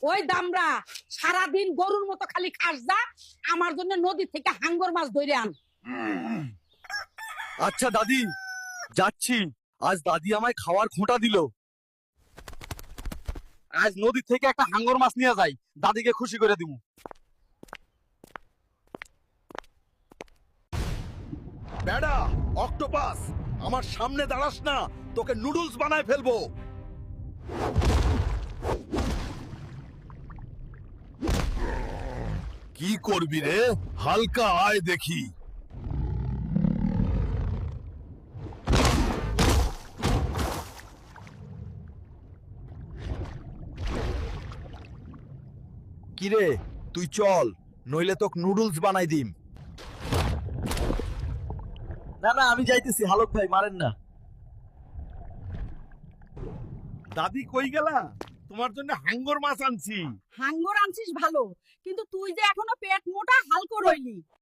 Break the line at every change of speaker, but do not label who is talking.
ওই দামরা সারাদিন গরুর মতো খালি খাস যা, আমার জন্য নদী থেকে হাঙ্গর মাছ ধরে আন।
আচ্ছা দাদি, যাচ্ছি। আজ দাদি আমায় খাওয়ার খোঁটা দিল। আজ নদী থেকে একটা হাঙ্গর মাছ নিয়ে যাই, দাদিকে খুশি করে দিব।
বেড়া, অক্টোপাস, আমার সামনে দাঁড়াস না, তোকে নুডলস বানায় ফেলবো। কি করবি রে? হালকা আয় দেখি। কিরে, তুই চল, নইলে তোকে নুডলস বানাই দিম।
না না, আমি যাইতেছি, হালক ভাই মারেন না।
দাদি কই গেলা? তোমার জন্য হাঙ্গর মাছ আনছি।
হাঙ্গর আনছিস ভালো, কিন্তু তুই যে এখনো পেট মোটা হালকো রইলি।